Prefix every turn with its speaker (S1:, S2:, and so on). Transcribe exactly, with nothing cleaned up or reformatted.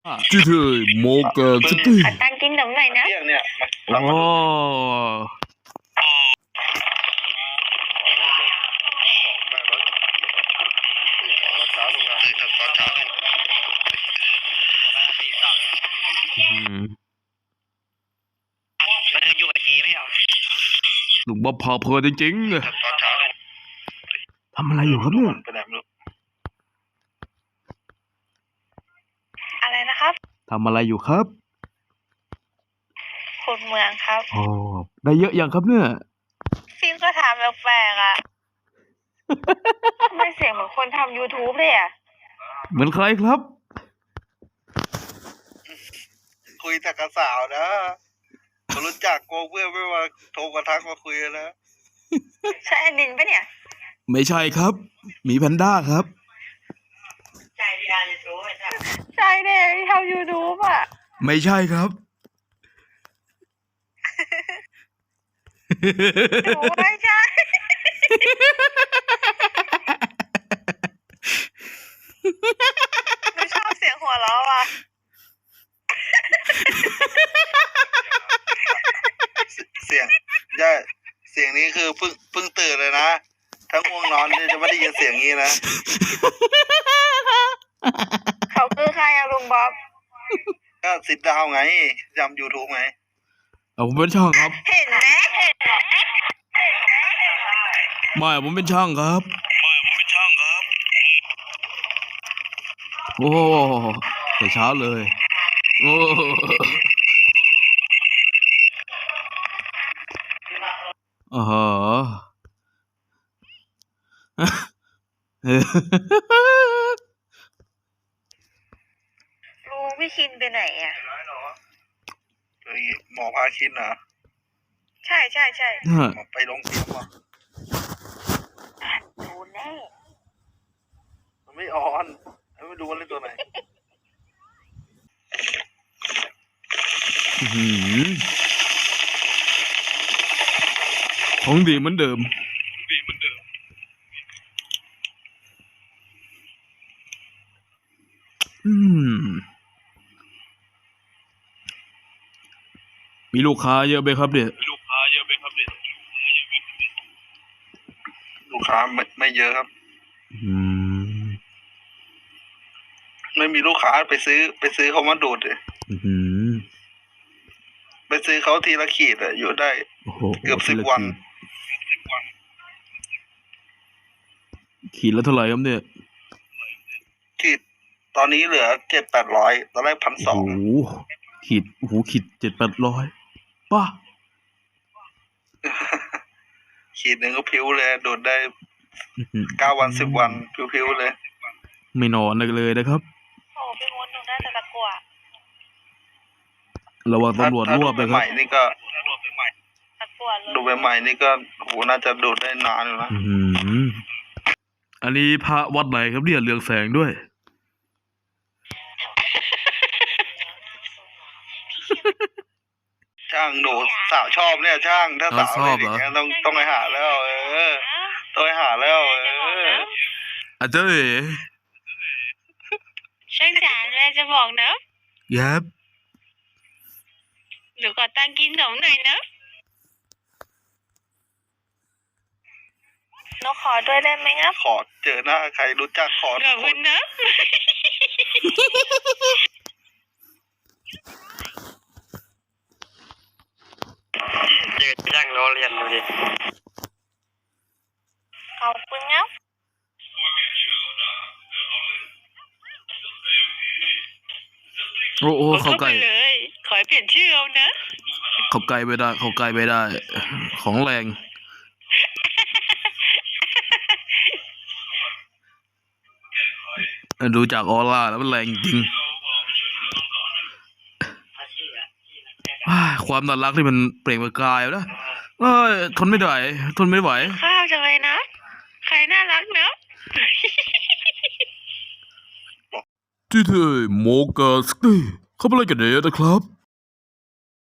S1: ที่เธอโมกาสตี้
S2: ขอตังค์กินขนมหน่อยนะ
S3: เรื่องเนี่ย
S1: อ๋ออืม
S3: มันจะอยู่กับทีไม่เหรอ
S1: ลุงบ๊อบพาเพลินจริงๆอะทำอะไรอยู่ครับเนี่ย
S3: ไปไหนไม่รู้
S2: อะไรนะครับ
S1: ทำอะไรอยู่ครับ
S2: ขุดเมืองครับ
S1: อ๋อได้เยอะยังครับเนี่ย
S2: ฟิล์มก็ถามแปลกๆอ่ะ ทำไมเสียงเหมือนคนทำ YouTube เลยอ่ะ
S1: เหมือนใครครับ
S3: คุยแต่กับสาวนะคนรู้จักโกเพื่อนไม่มาโทรมาทักมาคุยกันนะ
S2: ใช่แอนดินปะเนี่ย
S1: ไม่ใช่ครับหมีแพนด้าครับ
S2: ใช่ที่ทำ YouTube ใช่เนี่ยที่ทำ YouTube อ่ะ
S1: ไม่ใช่ครับ
S2: หนูไม่ใช่ หนูชอบเสียงหัวเราะว่ะ
S3: เสียงใช่เสียงนี้คือเพิ่งเพิ่งตื่นเลยนะทั้งง่วงนอนเนี่ยจะไม่ได้ยินเสียงนี้นะ
S2: เขาคือใครอะลุงบ๊อบ
S3: ก็สิดดาวไงจำยูทูบไง
S1: เอาผมเป็นช่างครับ
S2: เห็นไหมเห็นไหม
S1: ไม่ผมเป็นช่างครับ
S3: ไม่ผมเป็นช่างครับ
S1: โอ้แต่เช้าเลยโอ้อ๋อฮะ
S2: ลุงพี่คินไปไหนอะ
S3: เฮ้ยหมอพาคินเหรอ
S2: ใช่ใช่ใช่
S3: หมอไปลงเตียงว่ะ
S2: ดูแน่
S3: มันไม่ออนไม่รู้ว่าเล่นตัวไหน
S1: อื้อหือของดีเหมือนเดิม อืม มีลูกค้าเยอะไหมครับเนี่ย
S3: ลูกค้าเยอะไหมครับเนี่ยลูกค้าไม่ไม่เยอะครับ
S1: อืม
S3: ไม่มีลูกค้าไปซื้อ ไปซื้อเขามาดูดเลย
S1: อื้อหือ
S3: ไปซื้อเขาทีละขีดอะอยู่ได้
S1: โอ้โห
S3: เกือบสิบวัน
S1: ขีดละเท่าไหร่ครับเนี่ย
S3: ขีดตอนนี้เหลือเจ็ดแปดร้อยตอนแรกพันส
S1: โอ้
S3: อง
S1: โหขีดโอ้โหขีดเจ็ดแปดร้อยป้า
S3: ขีดหนึ่งก็พิ้วเลยดูดได้
S1: อื้อหือ
S3: เก้าวันสิบวันพิ้วๆเลย
S1: ไม่นอนเลยนะครับ
S2: โอ้พี่มดหนูน่าจะตะกัว
S1: ระวังตำรวจ
S3: ถ้าร
S1: วบ
S3: ดู
S1: นะค
S3: ให
S1: รับ
S3: ม่ๆนี่ก็
S2: ตะกัวเลย
S3: ดูใหม่ๆนี่ก็โหน่าจะดูดได้นานอยู่นะ
S1: อื้อหืออันนี้พระวัดไหนครับเนี่ยเรืองแสงด้วย
S3: ช่างหนูสาวชอบเนี่ยช่างถ้าสาว
S1: ชอบ
S3: อะไร
S1: เหรอ
S3: อย่างเงี้ยต้องต้องไปหาแล้ว เออต้องไปหาแล้วเออ
S1: อาจารย์เอ๋
S2: ช่างจ๋าแม่จะบอกนะ
S1: ยับ
S2: หนูขอตังค์กินขนมหน่อยนะหนูขอด้วยได้ไหมครับ
S3: ขอเจอหน้าใครรู้จักขอ
S2: ข
S3: ทุ
S2: อก บ
S3: ค
S2: คุ
S3: น
S2: ณนะ
S3: เจอช่างล้อเลียนดูดิ
S2: ขอบคุณครับ
S1: โอ้โหเข้าใกล้
S2: เลย ขอให้เปลี่ยนชื่อเอานะ
S1: เข้าใกล้ไม่ได้ เข้าใกล้ไม่ได้ ของแรง ดูจากออร่าแล้วมันแรงจริงอ้ายความน่ารักที่มันเปล่งประกายนะเอ้ยทนไม่ได้ทนไม่ไหว
S2: ข้าวจังเลยนะ ใครน่ารักเนอะ
S1: ที่เธอโมกาสตี้เขาเป็นอะไรกันเนี่ยนะครับ